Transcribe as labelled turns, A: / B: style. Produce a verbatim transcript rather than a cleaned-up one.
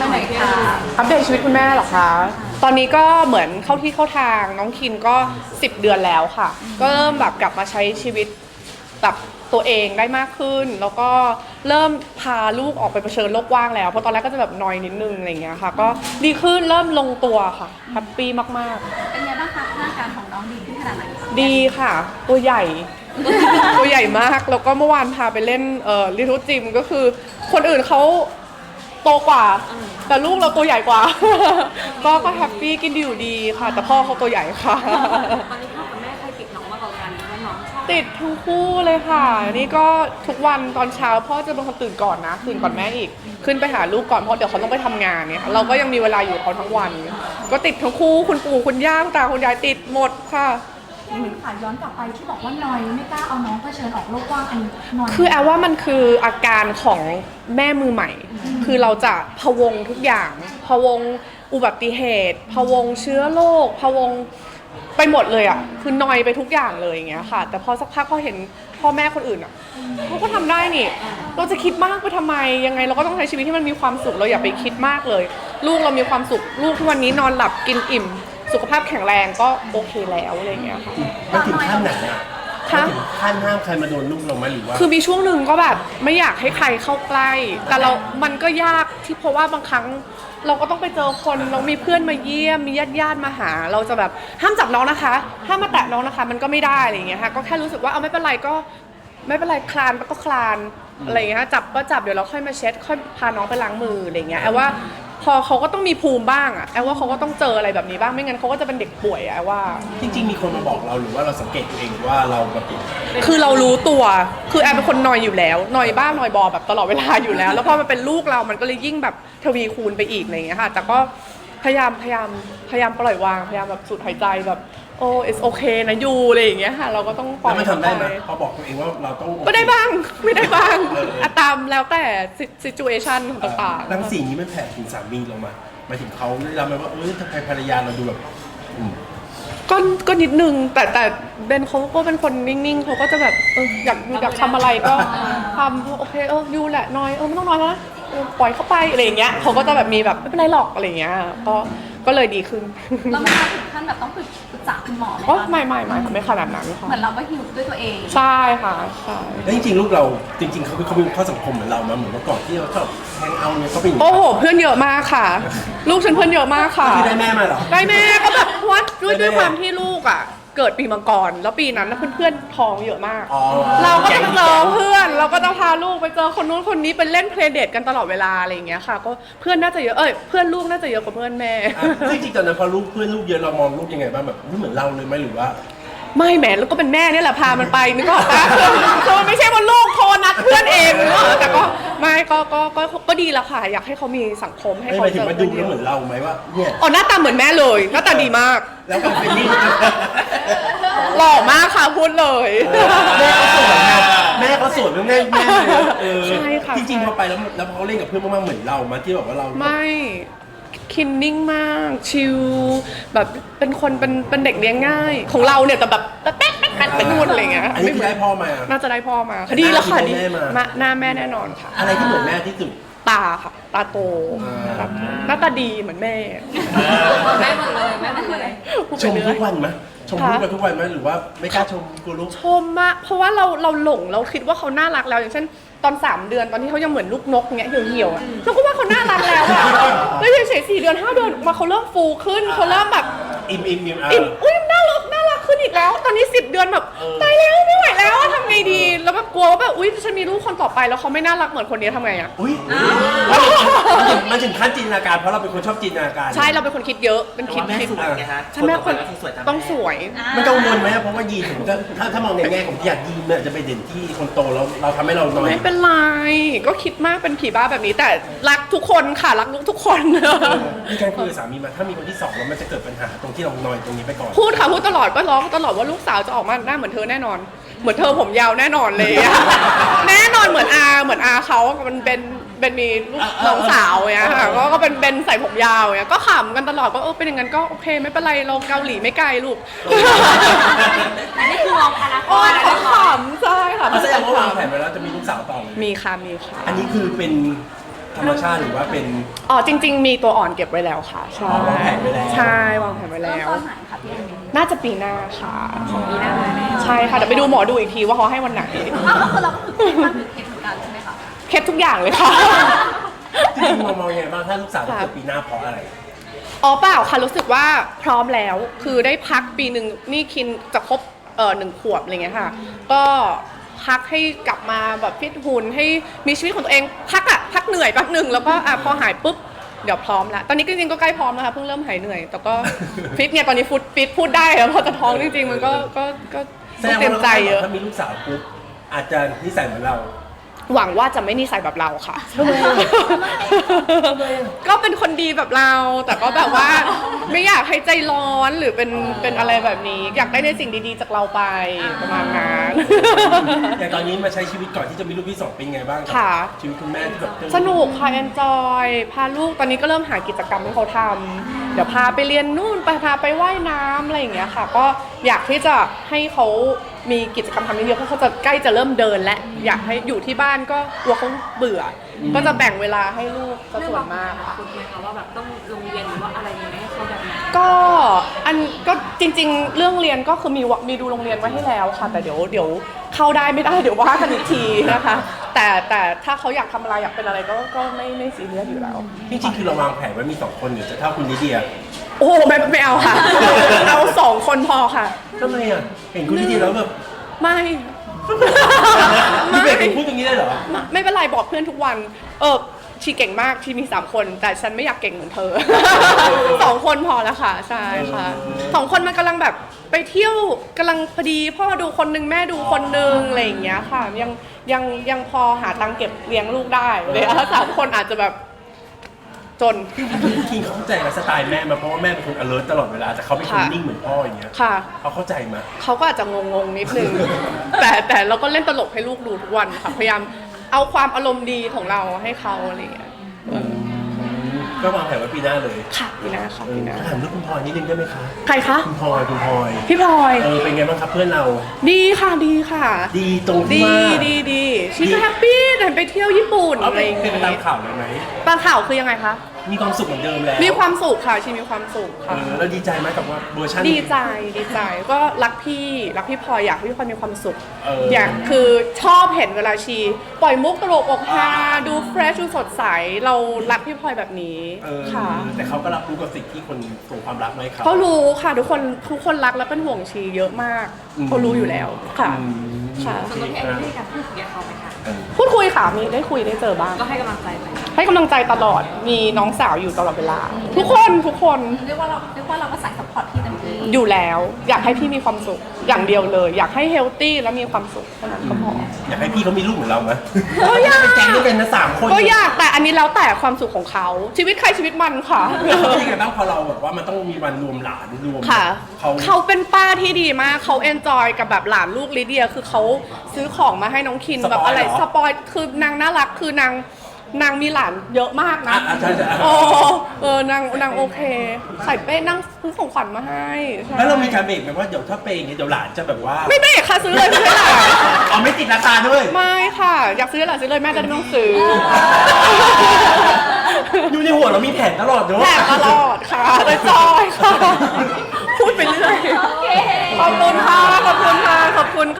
A: มาหน่อยค่ะ
B: อัปเดตชีวิตคุณแม่เหรอคะตอนนี้ก็เหมือนเข้าที่เข้าทางน้องคินก็สิบเดือนแล้วค่ะก็เริ่มแบบกลับมาใช้ชีวิตแบบตัวเองได้มากขึ้นแล้วก็เริ่มพาลูกออกไปเผชิญโลกกว้างแล้วเพราะตอนแรกก็จะแบบนอยนิดนึงอะไรเงี้ยค่ะก็ดีขึ้นเริ่มลงตัวค่ะแฮปปี้มาก
A: ๆเป็นไงบ้างคะร่างกายของน้องดีขึ้นขนาดไหน
B: ดีค่ะตัวใหญ่ ตัวใหญ่มากแล้วก็เมื่อวานพาไปเล่นเอ่อลิทูจิมก็คือคนอื่นเขาโตกว่าแต่ลูกเราตัวใหญ่กว่า ก็ก็แฮปปี้กินดีอยู่ดีค่ะแต่พ่อเขาตัวใหญ่ค่ะ
A: ตอนนี้พ่อกับแม่ใครติดน้องมากกว่ากันว่าน้องชอบ
B: ติดทั้งคู่เลยค่ะนี่ก็ทุกวันตอนเช้าพ่อจะเป็นคนตื่นก่อนนะตื่นก่อนแม่อีกขึ้นไปหาลูกก่อนเพราะเดี๋ยวเขาต้องไปทำงานเนี่ยเราก็ยังมีเวลาอยู่เขาทั้งวันก็ติดทั้งคู่คุณปู่คุณย่าคุณตาคุณยายติดหมดค่ะ
A: แม่ค่ะย้อนกลับไปที่บอกว่านอยไม่กล้าเอาน้องเผชิญออกโลกกว้างอันนี้นอย
B: คือแอลว่ามันคืออาการของแม่มือใหม่คือเราจะพะวงทุกอย่างพะวงอุบัติเหตุพะวงเชื้อโรคพะวงไปหมดเลยอ่ะคือนอยไปทุกอย่างเลยอย่างเงี้ยค่ะแต่พอสักพักพอเห็นพ่อแม่คนอื่นอ่ะเขาก็ทำได้นี่เราจะคิดมากไปทำไมยังไงเราก็ต้องใช้ชีวิตที่มันมีความสุขเราอย่าไปคิดมากเลยลูกเรามีความสุขลูกทุกวันนี้นอนหลับกินอิ่มสุขภาพแข็งแรงก็โอเคแล้วอะไรเงี้ยค่ะ
C: มันถึงขั้นไหนอ่ะ
B: คะ
C: ถึงขั้นห้ามใครมาโดนลูกเราไหมหรือว่า
B: คือมีช่วงหนึ่งก็แบบไม่อยากให้ใครเข้าใกล้แต่เรามันก็ยากที่เพราะว่าบางครั้งเราก็ต้องไปเจอคนเรามีเพื่อนมาเยี่ยมมีญาติญาติมาหาเราจะแบบห้ามจับน้องนะคะห้ามมาแตะน้องนะคะมันก็ไม่ได้อะไรอย่างเงี้ยค่ะก็แค่รู้สึกว่าเอาไม่เป็นไรก็ไม่เป็นไรคลานก็คลานอะไรอย่างเงี้ยจับก็จับเดี๋ยวเราค่อยมาเช็ดค่อยพาน้องไปล้างมืออะไรอย่างเงี้ยแอลว่าพอเขาก็ต้องมีภูมิบ้างอะแอลว่าเขาก็ต้องเจออะไรแบบนี้บ้างไม่งั้นเขาก็จะเป็นเด็กป่วยอะแอลว่า
C: จริงๆมีคนมาบอกเราหรือว่าเราสังเกตตัวเองว่าเราแบบ
B: คือเรารู้ตัวคือแอลเป็นคนนอยอยู่แล้วนอยบ้างนอยบอแบบตลอดเวลาอยู่แล้วแล้วพอมันเป็นลูกเรามันก็เลยยิ่งแบบทวีคูณไปอีกอะไรอย่างเงี้ยค่ะแต่ก็พยายามพยายามพยายามปล่อยวางพยายามแบบสูดหายใจแบบโอ้ it's okay นะยูอะไรอย่างเงี้ยค่ะเราก็ต้องปล่อย
C: แล้วมันทำได้ไหมพอบอกตัวเองว่าเราต้อง
B: ก็ได้บ้างไม่ได้บ้างอะตามแล้วแต่ situation ต่าง
C: ๆรังสีนี้มันแผ่ถึงสามีลงมาหมายถึงเขาได้รับไหมว่าเออทำไมภรรยาเราดูแบบ
B: ก็ก็นิดนึงแต่แต่เบนเขาก็เป็นคนนิ่งๆเขาก็จะแบบเอออยากอยากทำอะไรก็ทำโอเคเออยูแหละน้อยเออไม่ต้องน้อยนะปล่อยเข้าไปอะไรอย่างเงี้ยเขาก็จะแบบมีแบบไม่เป็นไรหรอกอะไรอย่างเงี้ยก็ก็เลยดีขึ้น
A: เราไม่ถึงขั้นแบบต้องปรึกษาคุณหมอไหม
B: อ๋อไม่ไม่ไม่ไม่ขนาดนั้นค่ะ
A: เหมือนเราก็ฮิวด้วยตัวเอง
B: ใช่ค่ะใช่
C: แล้วจริงๆลูกเราจริงๆเขาเขามีข้อสังคมเหมือนเรามาเหมือนเมื่อก่อนที่เราชอบแฮงเอาท์เนี่ยเขาเป็น
B: โอ้โหเพื่อนเยอะมากค่ะลูกฉันเพื่อนเยอะมากค่ะ
C: คือได้แม่มาเหรอ
B: ได้แม่ก็แบบวัดด้วยด้วยความที่ลูกอ่ะเกิดปีมังกรแล้วปีนั้นเพื่อนๆท้องเยอะมากเราก็จะเจอเพื่อนเราก็จะพาลูกไปเจอคนนู้นคนนี้ไปเล่นเพลย์เดทกันตลอดเวลาอะไรอย่างเงี้ยค่ะก็เพื่อนน่าจะเยอะเอ้ยเพื่อนลูกน่าจะเยอะกว่าเพื่อนแม่
C: จริงๆตอนนั้นพอลูกเพื่อนลูกเยอะเรามองลูกยังไงบ้างแบบไม่เหมือนเราเลยไหมหรือว่า
B: ไม่แหมแล้วก็เป็นแม่เนี่ยแหละพามันไปนึกออกปะคือมันไม่ใช่ว่าลูกโทรนัดเพื่อนเองเนอะแต่ก็ไม่ก็ก็ก็ก็ดีแล้วค่ะอยากให้เขามีสังคมให้เขา
C: เจอเพื่อนเยอะเหมือนเราไหมว่าเนี่ย
B: อ๋อหน้าตาเหมือนแม่เลยหน้าตาดีมาก
C: แล้วก็เป็นนี่
B: หล่อมากค่ะพูดเลย
C: แม่เขาสวยแม่เขาสวยแม่แม่
B: ใช่ค่ะ
C: จริงๆพอไปแล้วแล้วเขาเล่นกับเพื่อนมากๆเหมือนเรามาที่แบบว่าเรา
B: ไม่คินนิ่งมากชิลแบบเป็นคนเป็นเป็นเด็กเลี้ยงง่ายของเราเนี่ยแต่แบบแป๊ะแป๊ะแป๊ะเป็นนู่นอะไรเงี้ย
C: อันนี้คือได้พ่อมา
B: น่าจะได้พ่อมาดีแล้วค่ะดีหน้าแม่แน่นอนค่ะ
C: อะไรที่เหมือนแม่ที่สุด
B: ตาค่ะตาโตหน้าตาดีเหมือนแม่
A: แม่หมดเลยแม่หมดเลย
C: ชมทุกวันไหมชมลูกกันทุกวันไหมหรือว่าไม่กล้าชมกูลูก
B: ชมมากเพราะว่าเราเราหลงเราคิดว่าเขาน่ารักแล้วอย่างเช่นตอนสามเดือนตอนที่เขายังเหมือนลูกนกเงี้ยเหี่ยวๆอ่ะเราก็ว่าเขาน่ารักแล้วอ่ะแล้วเฉยๆสี่เดือนห้าเดือนมาเขาเริ่มฟูขึ้นเขาเริ่มแบบ
C: อิ่มอิ่มอิ่ม
B: อิ่มอุ้ยน่ารักน่ารักขึ้นอีกแล้วตอนนี้สิบเดือนแบบตายแล้วไม่ไหวแล้วทำไงดีแล้วแบบกลัวว่าแบบอุ้ยฉันมีลูกคนต่อไปแล้วเขาไม่น่ารักเหมือนคนนี้ทำไงอ่ะ
C: อุ้ยมันถึงขั้นจินตนาการเพราะเราเป็นคนชอบจินตนาการ
B: ใช่เราเป็นคนคิดเยอะเป็นคิด
D: คิด
B: ใช่แม่คนต้องสวย
C: มันกังวลไหมเพราะว่ายีนถึงถ้าถ้ามองในแง่ของที่อยากยีนเนี่ยจะไปเด่นที่คนโตแล้วเราทำให้เราน้อย
B: ไม่เป็นไรก็คิดมากเป็นผีบ้าแบบนี้แต่รักทุกคนค่ะรักลูกทุกคน
C: มีการคุยกับสามีมาถ้ามีคนที่สองแล้วมันจะเกิดปัญหาตรงที่เราน้อยตรงนี้ไปก่อน
B: พูดค่ะพูดตลอดก็ร้องตลอดว่าลูกสาวจะออกมาหน้าเหมือนเธอแน่นอนเหมือนเธอผมยาวแน่นอนเลยแน่นอนเหมือนอาเหมือนอาเขามันเป็นเป็นมีลูกน้องสาวเนี้ยค่ะก็เป็นเป็นใส่ผมยาวเนี้ยก็ขำกันตลอดก็เออเป็นอย่างนั้นก็โอเคไม่เป็นไรเราเกาหลีไม่ไกลลูก
A: อันนี้คือมองอนาคต
B: เขาขำใช่ค่ะ
C: แสดงว่าวางแผนไว้แล้วจะมีลูกสาวต่อเลย
B: มีค่ะมีค่ะ
C: อันนี้คือเป็นธรรมชาติหรือว่าเป็น
B: อ๋อจริง ๆ มีตัวอ่อนเก็บไว้แล้วค่ะใช่
C: อ๋อวางแผนไว้แล้ว
B: ใช่วางแผนไว้
A: เริ่ม
B: แล้ว
A: ตอนไหนคะพี่เอมี่
B: น่าจะปีหน้าค่ะ
A: ปีหน้าเลย
B: ใช่ค่ะเดี๋ยวไปดูหมอดูอีกทีว่าเขาให้วันไหน
A: อ้าวก็คือเราก็คือคิดว่าคือเห็นเหมือนกันใช่ไหมคะ
B: เคล็ดทุกอย่างเลยค่ะ
C: จริงๆมองมองยังไงบ้างถ้าลูกสาวจะเกิดปีหน้าเพราะอะไร
B: อ๋อเปล่าค่ะรู้สึกว่าพร้อมแล้วคือได้พักปีหนึ่งนี่คินจะครบเอ่อหนึ่งขวบอะไรเงี้ยค่ะ ก็พักให้กลับมาแบบฟิตหุ่นให้มีชีวิตของตัวเองพักอะพักเหนื่อยแป๊บหนึ่งแล้วก็อ่ะพอหายปุ๊บเดี๋ยวพร้อมแล้วตอนนี้จริงๆก็ใกล้พร้อมแล้วค่ะเพิ่งเริ่มหายเหนื่อยแต่ก็ฟิตเนี่ยตอนนี้ฟุตฟิตพูดได้แล้วพอจะท้องจริงๆมันก็ก็ก็
C: แส
B: ต้อง
C: ดง
B: เตรียม
C: ว่า
B: ใจเยอะ
C: ถ้ามีลูกสาวปุ๊บอาจจะนิสัยเหมือนเรา
B: หวังว่าจะไม่นิสัยแบบเราค่ะ ก็เป็นคนดีแบบเรา แต่ก็แบบว่าไม่อยากให้ใจร้อนหรือเป็นเป็นอะไรแบบนี้ อยากได้ในสิ่งดีๆจากเราไปประมาณนั้น
C: อย่างตอนนี้มาใช้ชีวิตก่อนที่จะมีลูกที่สองเป็นไงบ้าง
B: ค่ะ
C: ชีวิตคุณแม่ที่แบบ
B: สนุกค่ะเอนจอยพาลูกตอนนี้ก็เริ่มหากิจกรรมให้เขาทำเดี๋ยวพาไปเรียนนู่นไปพาไปว่ายน้ำอะไรอย่างเงี้ยค่ะ ก็อยากที่จะให้เขามีกิจกรรมทำเยอะๆเพราะเขาจะใกล้จะเริ่มเดินและอยากให้อยู่ที่บ้านก็กลัวเขาเบื่ออก็จะแบ่งเวลาให้ลูกซะส่วนมากค่ะ
D: คุณไหมคะว่าแบบต้องโรงเรียนหรือว่าอะไรยังไงให้เขาแบบไหน
B: ก็อันก็จริงๆ เรื่องเรียนก็คือมีวะมีดูโรงเรียนไว้ให้แล้วค่ะ แต่เดี๋ยวเดี๋ยวเข้าได้ไม่ได้เดี๋ยวว่ากันอีกทีนะคะ แต่แต่ถ้าเขาอยากทำอะไรอยากเป็นอะไรก็ก็ไม่ไม่ซีเรียสอยู่แล้ว
C: จริงๆคือเราวางแผนไว้มีสองคนหรือจะเท่าคุณลิเดีย
B: โอ้โหไม่ไม่เอาค่ะ เอาสองคนพอค่ะ
C: ทำไมอ่ะเห็นคุณลิเดียแล้วแบบ
B: ไม่
C: พี่เบรกเป็นพูดอย่างนี้ได้เหรอ
B: ไม่ไม่เป็นไรบอกเพื่อนทุกวัน เออชีเก่งมากชีมีสามคน แต่ฉันไม่อยากเก่งเหมือนเธอ สองคนพอแล้วค่ะใช่ค่ะสองคนมันกำลังแบบไปเที่ยวกำลังพอดีพ่อดูคนนึงแม่ดูคนนึงอะไรอย่างเงี้ยค่ะ ยังยังยังพอหาตังค์เก็บเลี้ยงลูกได้เลยถ้าสามคนอาจจะแบบจน
C: จริงๆพี่คิงเขาเข้าใจกับสไตล์แม่มาเพราะว่าแม่เป็นคน alert ตลอดเวลาแต่เขาเป็นคน
B: ค่ะ
C: นิ่งเหมือนพ่ออย่างเงี้ย
B: ค่ะ
C: เขาเข้าใจมา
B: เขาก็อาจจะงงๆนิดนึง แต่แต่เราก็เล่นตลกให้ลูกดูทุกวันค่ะพยายามเอาความอารมณ์ดีของเราให้เขาอะไรอย่างเงี้ย
C: ก็วางแผนไว้ปีหน้าเลย
B: ค่ะพี่นาค่ะพี่นา
C: ถามเรื่องคุณพลอยนิดนึงได้ไหมคะ
B: ใครคะ
C: คุณพลอยคุณพลอย
B: พี่พลอย
C: เออเป็นไงบ้างครับเพื่อนเรา
B: ดีค่ะดีค่ะ
C: ดีตรงที่
B: ดี
C: ว่า
B: ดีดีชีก็แฮปปี้แต่ไปเที่ยวญี่ปุ่น
C: เอา
B: อะ
C: ไป
B: ไรอย่าง
C: เป็น
B: เงี้
C: ไปตาม
B: ย
C: ข่าวเลยไหม
B: ตามข่าวคือยังไงคะ
C: มีความสุขเหมือนเดิมแล้ว
B: มีความสุขค่ะชีมีความสุข
C: เอ
B: ค่ะ
C: อแล้วดีใจไหมกับว่าเวอร์ชัน
B: ดีใจดีใจก็รักพี่รักพี่พลอยอยากให้พี่พลอยมีความสุข
C: เอออ
B: อยากคือชอบเห็นเวลาชี ปล่อยมุกตลกอกฮาดูเฟรชดูสดใสเรารักพี่พลอยแบบนี้
C: เออ
B: ค่ะ
C: แต่เขาก็รับรู้กับสิ่งที่คนส่งความรักมาให้เขา
B: เขารู้ค่ะทุกคนทุกคนรักและเป็นห่วงชีเยอะมาก
C: อืม
B: เขารู้อยู่แล้วค่ะ
C: อืม
B: ค่ะ
D: ส่วนตัวพี่เองได้มีการพูดคุยกับเขาไหมคะ
C: เออ
B: พูดคุยค่ะมีได้คุยได้เจอบ้าง
D: ก็ให้กำลังใจไป
B: ให้กำลังใจตลอดมีน้องสาวอยู่ตลอดเวลา ทุกคนทุกคน
A: เรียกว่าเราเรียกว่าเราก็ใส่ซัพพอร์ตพี่เต็มที่
B: อยู่แล้ว อยากให้พี่มีความสุขอย่างเดียวเลย อยากให้เฮลตี้และมีความสุขเท่านั้นก็พอ
C: อยากให้พี่เขามีลูกเหมือนเราไหม
B: ก็อยาก
C: เป็นแก๊งด้วยกันนะสามคน
B: ก็อยากแต่อันนี้แล้วแต่ความสุขของเขาชีวิตใครชีวิตมันค่ะ
C: เขาเป็นยังไงบ้างพอเราแบบว่ามันต้องมีวันรวมหลานรวม
B: ค่ะ
C: เขา
B: เขาเป็นป้าที่ดีมากเขาเอนจอยกับแบบหลานลูกลิเดียคือเขาซื้อของมาให้น้องคินแบบอะไรสปอยคือนางน่ารักคือนางนางมีหลานเยอะมากนะ
C: อ่ะอ่ะใช่ใช่
B: โอ้เออนางนางโอเค ใส่เป้นั่งซื้อของขวัญมาให้ใช่
C: แล้วเรามีการเบรกไหมว่าเดี๋ยวถ้าเป็นอย่างเงี้ยเดี๋ยวหลานจะแบบว่า
B: ไม่เบรกค่ะซื้อเลยซื้อให้หลาน
C: เอาไม่ติดราคาด้วย
B: ไม่ค่ะ อยากซื้อให้หลานซื้อเลยแม่จะได้ไม่ต้องซื้อ
C: อยู่ในหัวเรามีแผนตลอดเนอะ
B: แถมตลอดค่ะแต่จอยค่ะ พูดไปเรื่อย
A: โอเค
B: ขอบคุณค่ะ ขอบคุณค่ะ ขอบคุณ